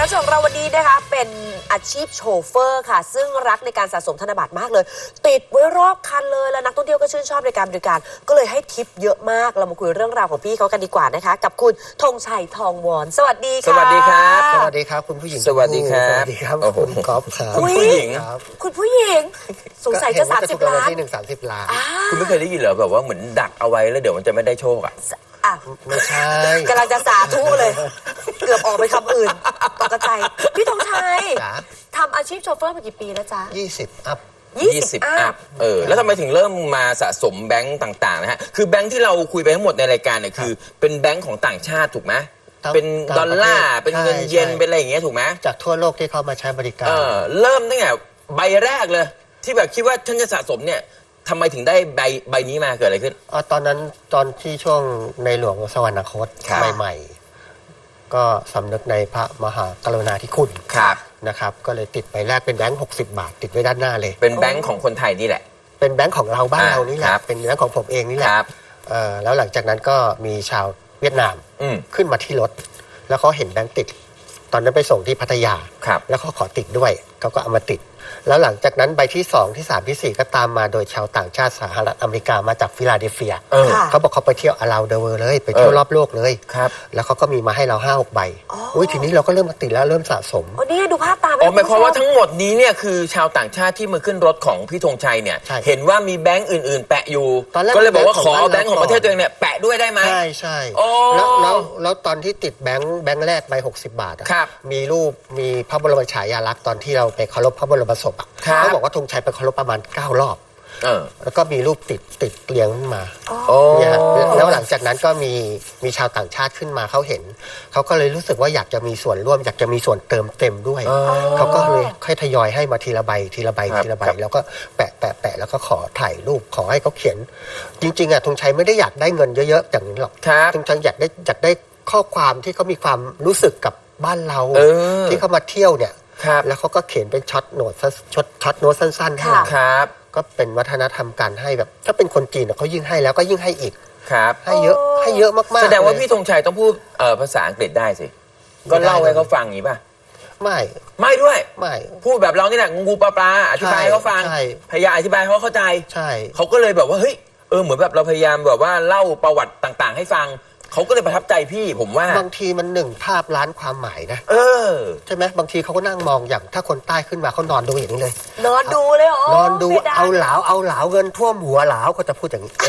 ชของเราวันนี้นะคะเป็นอาชีพโชเฟอร์ค่ะซึ่งรักในการสะสมธนบัตรมากเลยติดไว้รอบคันเลยแล้วนักท่องเที่ยวก็ชื่นชอบในการบริการก็เลยให้ทิปเยอะมากเรามาคุยเรื่องราวของพี่เขากันดีกว่านะคะกับคุณธงชัยทองวอนสวัสดีค่ะสวัสดีครับสวัสดีครับคุณผู้หญิงสวัสดีครับสวัสดีครับคุณก๊อฟครับคุณผู้หญิงคุณผู้หญิงสงสัยจะ30 ล้านที่1 30 ล้านคุณไม่เคยได้ยินเหรอแบบว่าเหมือนดักเอาไว้แล้วเดี๋ยวมันจะไม่ได้โชคอ่ะไม่ใช่กำลังจะสาธุเลยเกือบออกไปคำอื่นตกใจพี่ธงชัยทำอาชีพโชเฟอร์มากี่ปีแล้วจ๊ะ 20 อัพ 20 อัพแล้วทำไมถึงเริ่มมาสะสมแบงก์ต่างๆนะฮะคือแบงก์ที่เราคุยไปทั้งหมดในรายการเนี่ยคือเป็นแบงก์ของต่างชาติถูกไหมเป็นดอลลาร์เป็นเงินเยนเป็นอะไรอย่างเงี้ยถูกไหมจากทั่วโลกที่เข้ามาใช้บริการเริ่มตั้งแต่ใบแรกเลยที่แบบคิดว่าฉันจะสะสมเนี่ยทำไมถึงได้ใบนี้มาเกิดอะไรขึ้นตอนนั้นตอนที่ช่วงในหลวงสวรรคตใหม่ๆก็สำนึกในพระมหากรุณาธิคุณนะครับก็เลยติดใบแรกเป็นแบงค์60 บาทติดไว้ด้านหน้าเลยเป็นแบงค์ของคนไทยนี่แหละเป็นแบงค์ของเราบ้านเรานี่แหละเป็นแบงค์ของผมเองนี่แหละแล้วหลังจากนั้นก็มีชาวเวียดนามขึ้นมาที่รถแล้วเขาเห็นแบงค์ติดตอนนั้นไปส่งที่พัทยาแล้วเขาขอติดด้วยเขาก็เอามาติดแล้วหลังจากนั้นใบที่2ที่3ที่4ก็ตามมาโดยชาวต่างชาติสหรัฐอเมริกามาจากฟิลาเดลเฟียเขาบอกเขาไปเที่ยวaround the worldเลยไปเที่ยวรอบโลกเลยแล้วเขาก็มีมาให้เรา5-6 ใบทีนี้เราก็เริ่มมาติดแล้วเริ่มสะสมนี่ดูภาพตามหมายความว่าทั้งหมดนี้เนี่ยคือชาวต่างชาติที่มาขึ้นรถของพี่ธงชัยเนี่ยเห็นว่ามีแบงก์อื่นๆแปะอยู่ก็เลยบอกว่าขอแบงก์ของประเทศตัวเองเนี่ยแปะด้วยได้ไหมใช่แล้วตอนที่ติดแบงค์แรกใบ60 บาทมีรูปมีพระบรมฉายาลักษณ์ตอนที่เราไปเคารพพระบรมศพเขาบอกว่าธงชัยไปเคารพประมาณ9 รอบแล้วก็มีรูปติดเรียงขึ้นมาเนี่ยแล้วหลังจากนั้นก็มีชาวต่างชาติขึ้นมาเขาเห็นเขาก็เลยรู้สึกว่าอยากจะมีส่วนร่วมอยากจะมีส่วนเติมเต็มด้วยเขาก็เลยค่อยทยอยให้มาทีละใบแล้วก็แปะแล้วก็ขอถ่ายรูปขอให้เขาเขียนจริงๆธงชัยไม่ได้อยากได้เงินเยอะๆอย่างนี้หรอกธงชัยอยากได้ข้อความที่เขามีความรู้สึกกับบ้านเราที่เขามาเที่ยวเนี่ยแล้วเขาก็เขียนเป็นช็อตโน้ตสั้นๆให้เราก็เป็นวัฒนธรรมการให้แบบถ้าเป็นคนจีนเขายิ่งให้แล้วก็ยิ่งให้อีกให้เยอะมากๆแสดงว่าพี่ธงชัยต้องพูดภาษาอังกฤษได้สิก็เล่าให้เขาฟังอย่างนี้ป่ะไม่ด้วยไม่พูดแบบเรานี่แหละงูปลาอธิบายให้เขาฟังพยายามอธิบายให้เขาเข้าใจเขาก็เลยแบบว่าเฮ้ยเหมือนแบบเราพยายามแบบว่าเล่าประวัติต่างๆให้ฟังเขาก็เลยประทับใจพี่ผมว่าบางทีมัน1 ภาพล้านความหมายนะใช่ไหมบางทีเขาก็นั่งมองอย่างถ้าคนใต้ขึ้นมาเขานอนดูอย่างนี้เลยนอนดูเลยเหรอนอนดูเอาเหลาเงินท่วมหัวเหลาเขาจะพูดอย่างนี้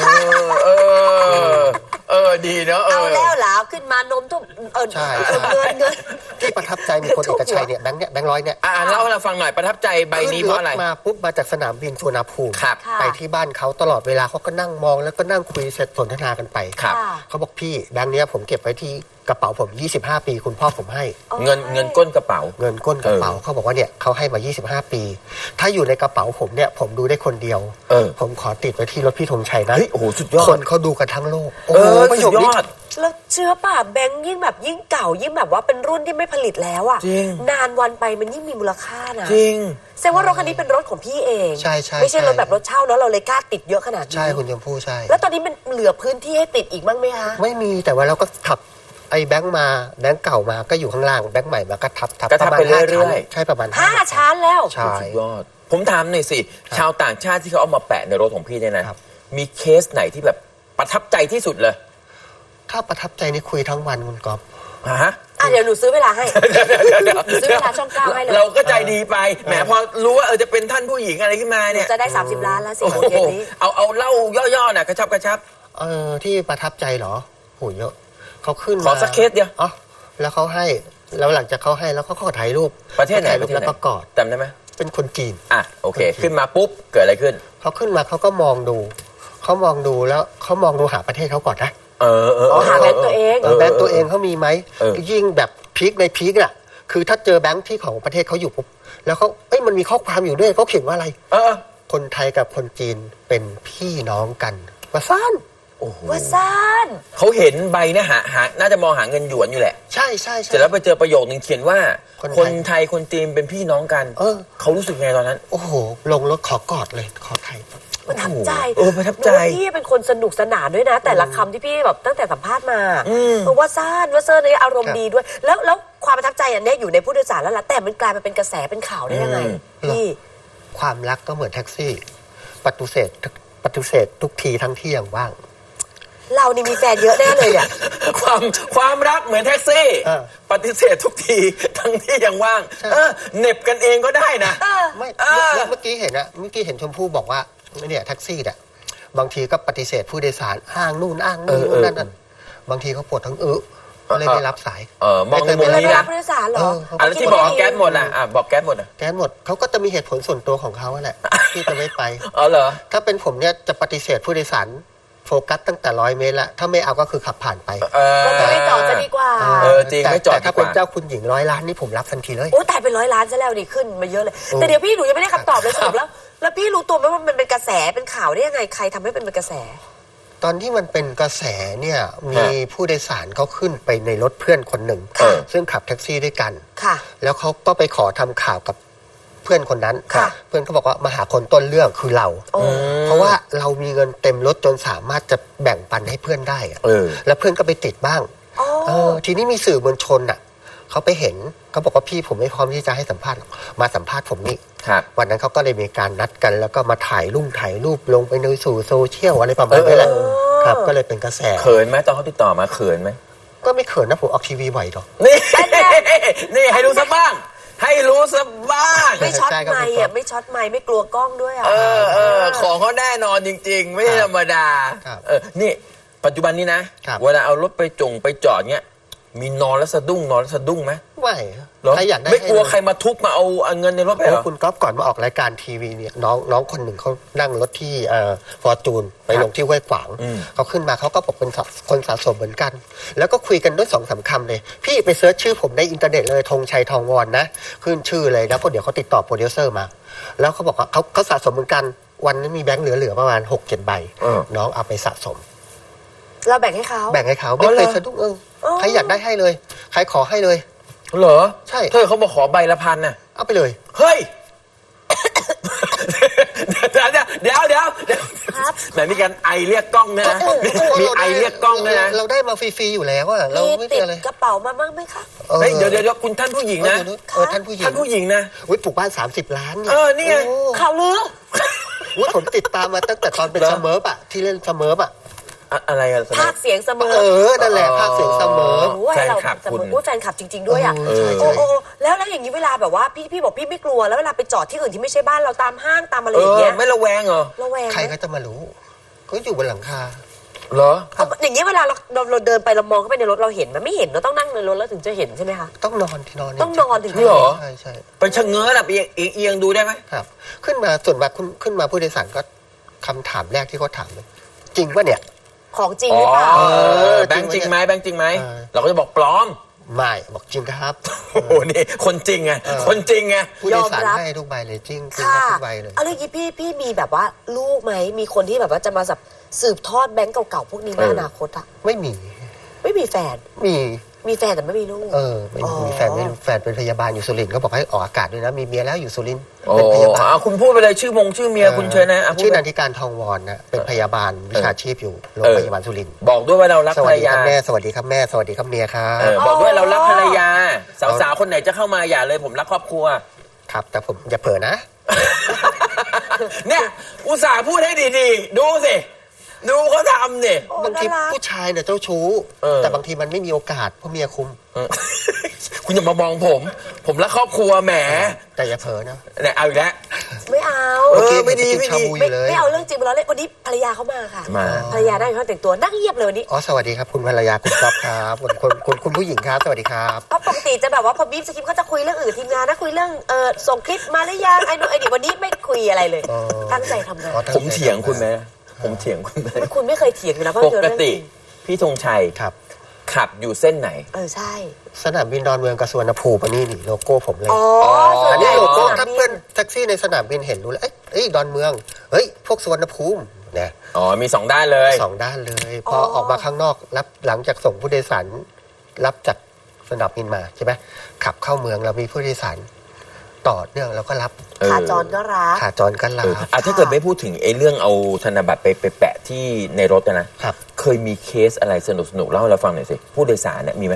ดีเนาะเอาแล้วเหลาขึ้นมานมท่วมใช่เงินที่ประทับใจมีคนเอกชัยเนี่ยแบงค์ร้อยเนี่ยเล่าให้เราฟังหน่อยประทับใจใบนี้เพราะอะไรมาปุ๊บมาจากสนามบินสุวรรณภูมิไปที่บ้านเขาตลอดเวลาเขาก็นั่งมองแล้วก็นั่งคุยสนทนากันไปเขาบอกพี่แบงค์นี้ผมเก็บไว้ที่กระเป๋าผม25 ปีคุณพ่อผมให้เงินก้นกระเป๋าเขาบอกว่าเนี่ยเขาให้มา25 ปีถ้าอยู่ในกระเป๋าผมเนี่ยผมดูได้คนเดียวผมขอติดไว้ที่รถพี่ธงชัยนะโอ้โหสุดยอดคนเขาดูกันทั้งโลกสุดยอดแล้วเชื่อป่ะแบงค์ยิ่งแบบยิ่งเก่ายิ่งแบบว่าเป็นรุ่นที่ไม่ผลิตแล้วอ่ะนานวันไปมันยิ่งมีมูลค่านะจริงแสดงว่ารถคันนี้เป็นรถของพี่เองใช่ไม่ใช่รถแบบรถเช่าเนาะเราเลยกล้าติดเยอะขนาดนี้ใช่คุณยมพู่ใช่แล้วตอนนี้มันเหลือพื้นที่ให้ติดอีกบ้างไหมคะไม่มีแต่ว่าเราก็ขับไอ้แบงค์เก่ามาก็อยู่ข้างล่างแบงค์ใหม่มาก็ทับประมาณ5 ชั้นใช่ประมาณ 5 ชั้นแล้วสุดยอดผมถามหน่อยสิชาวต่างชาติที่เขาเอามาแปะในรถของพี่เนี่ยนะมีเคสไหนที่แบบประทับใจที่สุดเลยถ้าประทับใจนี่คุยทั้งวันคุณก๊อฟเดี๋ยวหนูซื้อเวลาให้ซื้อเวลาช่อง9ให้เลยเราก็ใจดีไปแหมพอรู้ว่าจะเป็นท่านผู้หญิงอะไรขึ้นมาเนี่ยจะได้30 ล้านแล้วสิโมงเย็นนี้เอาเล่าย่อๆน่ะกระชับที่ประทับใจเหรอโหเยอะเขาขึ้นขอสักเคสเดียวแล้วเขาให้แล้วหลังจากเขาให้แล้วเขาก็ถ่ายรูปประเทศไหนแล้วก็กอดจำได้ไหมเป็นคนจีนโอเคขึ้นมาปุ๊บเกิดอะไรขึ้นเขาขึ้นมาเขาก็มองดูแล้วเขามองดูหาประเทศเขาก่อนนะหาแบงค์ตัวเองแบงค์ตัวเองเขามีไหมยิ่งแบบพีคในพีคน่ะคือถ้าเจอแบงค์ที่ของประเทศเขาอยู่ปุ๊บแล้วเขามันมีข้อความอยู่ด้วยเขาเขียนว่าอะไรคนไทยกับคนจีนเป็นพี่น้องกันว่าซ่านว่าซ่านเขาเห็นใบเนี่ยหาน่าจะมองหาเงินหยวนอยู่แหละใช่เสร็จแล้วไปเจอประโยคนึงเขียนว่าคนไทยคนจีนเป็นพี่น้องกันเขารู้สึกไงตอนนั้นโอ้โหลงรถขอกอดเลยขอไทยประทับใจประทับใจพี่เป็นคนสนุกสนานด้วยนะแต่ละคำที่พี่แบบตั้งแต่สัมภาษณ์มาว่าซ่านว่าเซอร์นี่อารมณ์ดีด้วยแล้วความประทับใจอันนี้อยู่ในผู้โดยสารแล้วล่ะแต่มันกลายมาเป็นกระแสเป็นข่าวได้ยังไงพี่ความรักก็เหมือนแท็กซี่ปฏิเสธทุกทีทั้งที่ยังว่างเรานี่มีแฟนเยอะแน่เลยเนี่ยความรักเหมือนแท็กซี่ปฏิเสธทุกทีทั้งที่ยังว่างเหน็บกันเองก็ได้นะไม่เมื่อกี้เห็นชมพู่บอกว่าเนี่ยแท็กซี่เนี่ยบางทีก็ปฏิเสธผู้โดยสารอ้างนู่นอ้างนี่นั่นบางทีเขาปวดทั้งก็เลยไม่รับสายมองในมุมนี้นะผู้โดยสารเหรออะไรที่บอกแก๊สหมดอ่ะบอกแก๊สหมดอ่ะแก๊สหมดเขาก็จะมีเหตุผลส่วนตัวของเขาแหละที่จะไม่ไปเหรอถ้าเป็นผมเนี่ยจะปฏิเสธผู้โดยสารโฟกัสตั้งแต่100 เมตรละถ้าไม่เอาก็คือขับผ่านไปก็ไม่จอดจะดีกว่าจริงไม่จอดถ้าเป็นเจ้าคุณหญิง100 ล้านนี่ผมรับทันทีเลยโอ้แต่เป็น100 ล้านซะแล้วนี่ขึ้นมาเยอะเลยแต่เดี๋ยวพี่หนูยังไม่ได้คำตอบเลยสรุปแล้วพี่รู้ตัวไหมว่ามันเป็นกระแสเป็นข่าวได้ยังไงใครทำให้เป็นกระแสตอนที่มันเป็นกระแสเนี่ยมีผู้โดยสารเขาขึ้นไปในรถเพื่อนคนหนึ่งซึ่งขับแท็กซี่ด้วยกันแล้วเขาก็ไปขอทำข่าวกับเพื่อนคนนั้นเพื่อนเขาบอกว่ามาหาคนต้นเรื่องคือเราเพราะว่าเรามีเงินเต็มรถจนสามารถจะแบ่งปันให้เพื่อนได้แล้วเพื่อนก็ไปติดบ้างทีนี้มีสื่อมวลชนเขาไปเห็นเขาบอกว่าพี่ผมไม่พร้อมที่จะให้สัมภาษณ์มาสัมภาษณ์ผมนี่วันนั้นเขาก็เลยมีการนัดกันแล้วก็มาถ่ายรูปลงไปในสู่โซเชียลอะไรประมาณนี้แหละครับก็เลยเป็นกระแสเขินไหมตอนเขาติดต่อมาเขินไหมก็ไม่เขินนะผมออกทีวีบ่อยหรอกนี่ให้รู้สักบ้างให้รู้สักบ้างไม่ช็อตไมค์ไม่ช็อตไมค์ไม่กลัวกล้องด้วยของเขาแน่นอนจริงๆไม่ใช่ธรรมดานี่ปัจจุบันนี้นะเวลาเอารถไปจอดเงี้ยมีนอนแล้วสะดุ้งไหมไม่ใครอยากได้ไม่กลัวใครมาทุบมาเอาเงินในรถไปเหรอคุณก๊อฟก่อนมาออกรายการทีวีเนี่ยน้องคนหนึ่งเขานั่งรถที่ฟอร์จูนไปลงที่ห้วยขวางเขาขึ้นมาเขาก็บอกเป็นคนสะสมเหมือนกันแล้วก็คุยกันด้วย2-3 คำเลยพี่ไปเซิร์ชชื่อผมในอินเทอร์เน็ตเลยธงชัยทองวอนนะขึ้นชื่อเลยแล้วก็เดี๋ยวเขาติดต่อโปรดิวเซอร์มาแล้วเขาบอกว่าเขาสะสมเหมือนกันวันนี้มีแบงค์เหลือประมาณ 6-7 ใบน้องเอาไปสะสมเราแบ่งให้เขาไม่เคยสะดุ้งใครอยากได้ให้เลยใครขอให้เลยเหรอใช่เธอเขาบอกขอใบละ1,000น่ะเอาไปเลยเฮ้ยเดี๋ยวไหนมีการไอเรียกกล้องนะมีไอเรียกกล้องนะเราได้มาฟรีๆอยู่แล้วอะเราไม่ติดอะไรกระเป๋ามาบ้างไหมคะเดี๋ยวคุณท่านผู้หญิงนะท่านผู้หญิงนะปลูกบ้าน30 ล้านนี่ไงข่าวลือผมติดตามมาตั้งแต่ตอนเป็นเสมอปะที่เล่นเสมอปะอะไรอะภาคเสียงเสมอนั่นแหละภาคเสียงเสมอแฟนคลับคุณแฟนคลับจริงๆด้วยอ่ะแล้วอย่างนี้เวลาแบบว่าพี่บอกพี่ไม่กลัวแล้วเวลาไปจอดที่อื่นที่ไม่ใช่บ้านเราตามห้างตามอะไรอย่างเงี้ยไม่ระแวงเหรอระแวงใครก็จะมารู้ก็อยู่บนหลังคาเหรออย่างนี้เวลาเราเดินไปเรามองเข้าไปในรถเราเห็นมันไม่เห็นเราต้องนั่งในรถแล้วถึงจะเห็นใช่ไหมคะต้องนอนที่นอนต้องนอนถึงจะเห็นใช่ไปชะเง้อแบบเอียงดูได้ไหมครับขึ้นมาส่วนมากขึ้นมาผู้โดยสารก็คำถามแรกที่เขาถามเลยจริงป่ะเนี่ยของจริงหรือเปล่าแบงค์จริงไหมเราก็จะบอกปลอมไม่บอกจริงครับโอ้โหนี่คนจริงไงคนจริงไงผู้โดยสารให้ทุกใบเลยจริงทุกใบเลยอะไรอย่างนี้พี่มีแบบว่าลูกไหมมีคนที่แบบว่าจะมาสืบทอดแบงก์เก่าๆพวกนี้ในอนาคตอะไม่มีแฟนมีแฟนแต่ไม่มีลูกไม่มีแฟนเป็นพยาบาลอยู่สุรินทร์เขาบอกให้ออกอากาศด้วยนะมีเมียแล้วอยู่สุรินทร์เป็นพยาบาลคุณพูดไปเลยชื่อเมียคุณเชิญนะชื่อนันทิการทองวอนนะเป็นพยาบาลวิชาชีพอยู่โรงพยาบาลสุรินทร์บอกด้วยว่าเรารักภรรยาสวัสดีครับแม่สวัสดีครับเมียครับบอกด้วยเรารักภรรยาสาวๆคนไหนจะเข้ามาอย่าเลยผมรักครอบครัวครับแต่ผมอย่าเผลอนะเนี่ยอุตส่าห์พูดให้ดีๆดูสิดูเขาทำเนี่ยบางทีผู้ชายเนี่ยเจ้าชู้แต่บางทีมันไม่มีโอกาสเพราะเมียคุมคุณอย่ามามองผมรักครอบครัวแหมแต่อย่าเผลอนะเนี่ยเอาอีกแล้วไม่เอาไม่ดีไม่เอาเรื่องจริงมาล้อเล่นวันนี้ภรรยาเขามาค่ะภรรยาได้เขาแต่งตัวนั่งเงียบเลยวันนี้สวัสดีครับคุณภรรยาคุณก๊อฟครับคุณผู้หญิงครับสวัสดีครับเพราะปกติจะแบบว่าพอบีบสคริปต์เขาจะคุยเรื่องอื่นทีมงานนะคุยเรื่องส่งคลิปมาหรือยังไอ้นู่นไอ้นี่วันนี้ไม่คุยอะไรเลยตั้งใจทำงานผมเถียงคุณไหมผมเถียงคุณไม่เคยเถียงอยู่แล้วปกติพี่ธงชัยขับอยู่เส้นไหนใช่สนามบินดอนเมืองกับสุวรรณภูมินี่โลโก้ผมเลยอันนี้โลโก้ถ้าเพื่อนแท็กซี่ในสนามบินเห็นรู้แล้วเอ้ยดอนเมืองเฮ้ยพวกสุวรรณภูมิเนี่ยมี2 ด้านเลย 2 ด้านเลยพอออกมาข้างนอกรับหลังจากส่งผู้โดยสารรับจากสนามบินมาใช่ไหมขับเข้าเมืองเรามีผู้โดยสารต่อเนื่องแล้วก็รับขาจรก็รับถ้าเกิดไม่พูดถึงเรื่องเอาธนบัตรไปแปะที่ในรถนะครับเคยมีเคสอะไรสนุกเล่าให้เราฟังหน่อยสิผู้โดยสารเนี่ยมีไหม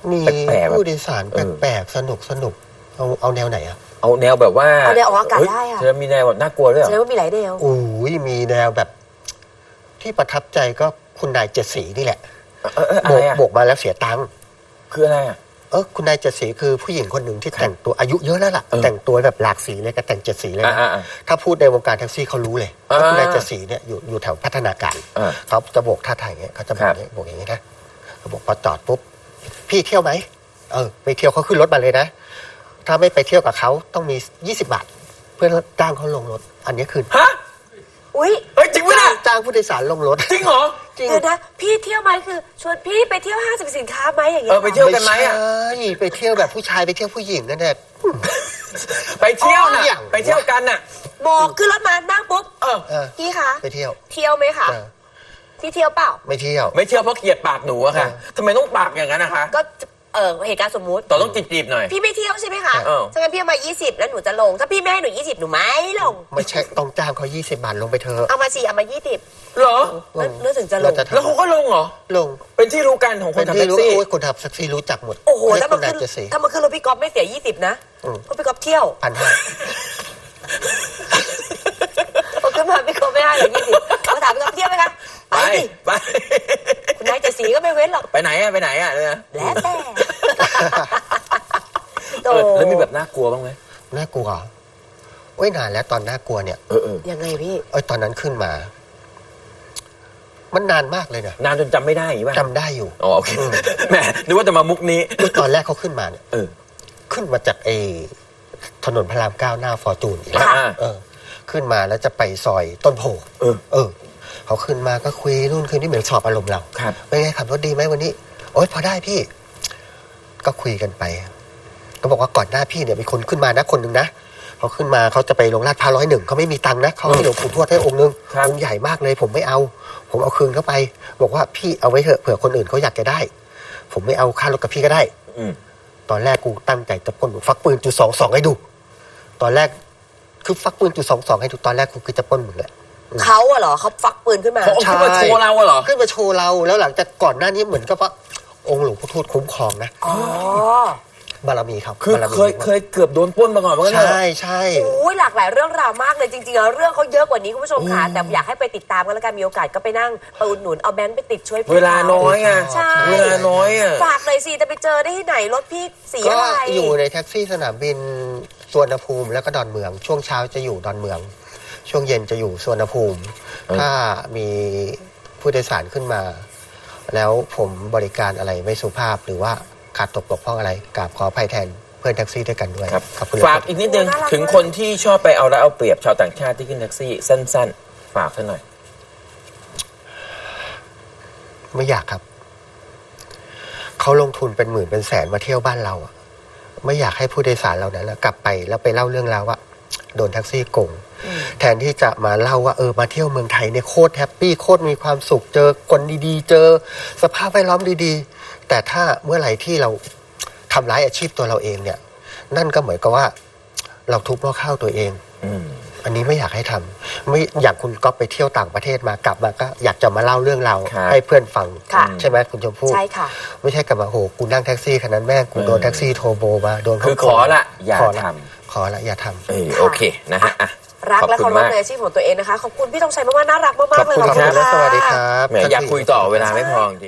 มีแปลกๆผู้โดยสารแปลกๆสนุกเอาแนวไหนอะเอาแนวแบบว่าเอาแนวออกอากาศได้อะจะมีแนวแบบน่ากลัวด้วยเหรแสอดงว่ามีหลายแนวอุ้ยมีแนวแบบ ที่ประทับใจก็คุณนายเจ็ดสีนี่แหละอะไรอะโบกมาแล้วเสียตังค์คืออะไรอะคุณนายเจ็ดสีคือผู้หญิงคนหนึ่งที่แต่งตัวอายุเยอะแล้วล่ะ แต่งตัวแบบหลากสีเลยก็แต่งเจ็ดสีเลยนะ ถ้าพูดในวงการแท็กซี่เขารู้เลยว่าคุณนายเจ็ดสีเนี่ยอยู่แถวพัฒนาการเขาจะโบกท่าทางอย่างเงี้ยเขาจะโบกอย่างเงี้ยนะเขาบอกพอจอดปุ๊บพี่เที่ยวไหมไปเที่ยวเขาขึ้นรถมาเลยนะถ้าไม่ไปเที่ยวกับเขาต้องมี20 บาท เพื่อจ้างเขาลงรถ อันนี้คือฮะอุ้ยเฮ้ยจริงปะเนี่ยจ้างผู้โดยสารลงรถจริงเหรอจริงเดี๋ยวนะพี่เที่ยวไหมคือชวนพี่ไปเที่ยวห้างสรรพสินค้าไหมอย่างเงี้ไปเที่ยวกันไหมอะใช่ไปเที่ยวแบบผู้ชายไปเที่ยวผู้หญิงนั่นแหละไปเที่ยวน่ะอย่างไปเที่ยวกันน่ะบอกขึ้นรถมานั่งปุ๊บเออพี่คะไปเที่ยวเที่ยวไหมคะเออพี่เที่ยวเปล่าไม่เที่ยวไม่เที่ยวเพราะเกลียดปากหนูอะค่ะทำไมต้องปากอย่างนั้นนะคะก็เหตุการณ์สมมุติต่อต้องจีบๆหน่อยพี่ไม่เที่ยวใช่ไหมคะเออถ้างั้นพี่เอามา20แล้วหนูจะลง ถ้าพี่ไม่ให้หนู20หนูไม่ลงไม่ใช่ต้องจ้างเขา20 บาทลงไปเถอะเอามาสิเอามา20 เหรอนึกถึงจะลงแล้วเขาก็ลงเหรอลงเป็นที่รู้กันของคนทำที่แท็กรู้ซี่โอ้ยคนขับแท็กซี่รู้จักหมดโอ้โหเรียถ้าก มัคุนณนายขึ้นเจ็ดสีถ้ามันขึ้นรถพี่ก๊อฟไม่เสีย20นะเพราะพี่ก๊อฟเที่ยว 1,500 พอขึ้นมาพี่ก๊อฟไม่ให้หรอก20มาถามพี่ก๊อฟเที่ยวไหมคะไปไปสิไปคุณนายจะสีก็ไม่เว้นหรอกไปไหนอะไปไหนอะเนี่ยแล้วแต่โตแล้วมีแบบน่ากลัวบ้างไหมน่ากลัวโอ้ยนานแล้วตอนน่ากลัวเนี่ยยังไงพี่ตอนนั้นขึ้นมา มันนานมากเลยนะนานจนจำไม่ได้อย่างงี้ป่ะจำได้อยู่อ๋อโอเคแหมนึกว่าจะมามุกนี้คือตอนแรกเขาขึ้นมาเนี่ยเออขึ้นมาจากถนนพระราม9หน้าฟอร์จูนอีกแล้วค่ะขึ้นมาแล้วจะไปซอยต้นโพเออเขาขึ้นมาก็คุยนู่นคุยนี่เหมือนสอบอารมณ์เราครับเป็นไงขับรถดีไหมวันนี้ โอ๊ยพอได้พี่ ก็คุยกันไป ก็บอกว่าก่อนหน้าพี่เนี่ยมีคนขึ้นมานะคนหนึ่งนะเขาขึ้นมาเขาจะไปลงลาดพร้าว101เขาไม่มีตังค์นะเขาให้หลวงปู่ทวดให้องค์นึงครับองค์ใหญ่มากเลย ผมไม่เอา ผมเอาคืนเข้าไป บอกว่าพี่เอาไว้เถอะเผื่อคนอื่นเขาอยากจะได้ ผมไม่เอาค่ารถกับพี่ก็ได้อืมตอนแรกกูตั้งใจจะปล้นฟักปืน.22ให้ดู ตอนแรกคือฟักปืน.22ให้ดูตอนแรกกูคือจะปล้นมึงแหละเขาอะเหรอเขาฟักปืนขึ้นมาเขาเอาขึ้นมาโชว์เราอะเหรอขึ้นมาโชว์เราแล้วหลังจากก่อนหน้านี้เหมือนกับว่าองค์หลวงพ่อทวดคุ้มครองนะอ๋อบารมีครับคือบารมีเคยเกือบโดนปล้นมาก่อนเหมือนกันเหรอใช่ใช่โอ้ยหลากหลายเรื่องราวมากเลยจริงๆแล้วเรื่องเขาเยอะกว่านี้คุณผู้ชมค่ะแต่อยากให้ไปติดตามกันแล้วกันมีโอกาสก็ไปนั่งไปอุดหนุนเอาแบงค์ไปติดช่วยพี่เวลาน้อยไงใช่เวลาน้อยอะฝากเลยสิจะไปเจอได้ที่ไหนรถพี่สีก็อะไรอยู่ในแท็กซี่สนามบินสุวรรณภูมิแล้วก็ดอนเมือง ช่วงเช้าจะอยู่ดอนเมือง ช่วงเย็นจะอยู่สุวรรณภูมิ ถ้ามีผู้โดยสารขึ้นมา แล้วผมบริการอะไรไม่สุภาพหรือว่าขาดตกบกพร่องอะไรกราบขออภัยแทนเพื่อนแท็กซี่ด้วยกันด้วยครับขอบคุณฝากอีกนิดนึงถึงคนที่ชอบไปเอาแล้วเอาเปรียบชาวต่างชาติที่ขึ้นแท็กซี่สั้นๆ ฝากซะหน่อยไม่อยากครับ เขาลงทุนเป็นหมื่นเป็นแสนมาเที่ยวบ้านเราอะไม่อยากให้ผู้โดยสารเรานั้นกลับไปแล้วไปเล่าเรื่องราวว่าโดนแท็กซี่โกงแทนที่จะมาเล่าว่ามาเที่ยวเมืองไทยเนี่ยโคตรแฮปปี้โคตรมีความสุขเจอคนดีๆ เจอสภาพแวดล้อมดีๆ แต่ถ้าเมื่อไหร่ที่เราทำร้ายอาชีพตัวเราเองเนี่ย นั่นก็เหมือนกับว่า เราทุบหม้อข้าวตัวเอง อันนี้ไม่อยากให้ทำไม่อยากคุณก็ไปเที่ยวต่างประเทศมากลับมาก็อยากจะมาเล่าเรื่องเราครับให้เพื่อนฟังค่ะใช่ไหมคุณชมพู่ใช่ค่ะไม่ใช่กลับมาโหกูนั่งแท็กซี่คันนั้นแม่งกูโดนแท็กซี่โทรโบมาโดนคือเขาขอละอย่าขอละทขอละอย่าทำำโอเคนะฮะอ่ะรักและขเคาอบรคุณพมากในอาชีพของตัวเองนะคะขอบคุณพี่ธงชัยมากๆน่ารักมากๆเลยขอบคุณครับะสวัสดีครับแหมอยากคุยต่อเวลาไม่พอจริง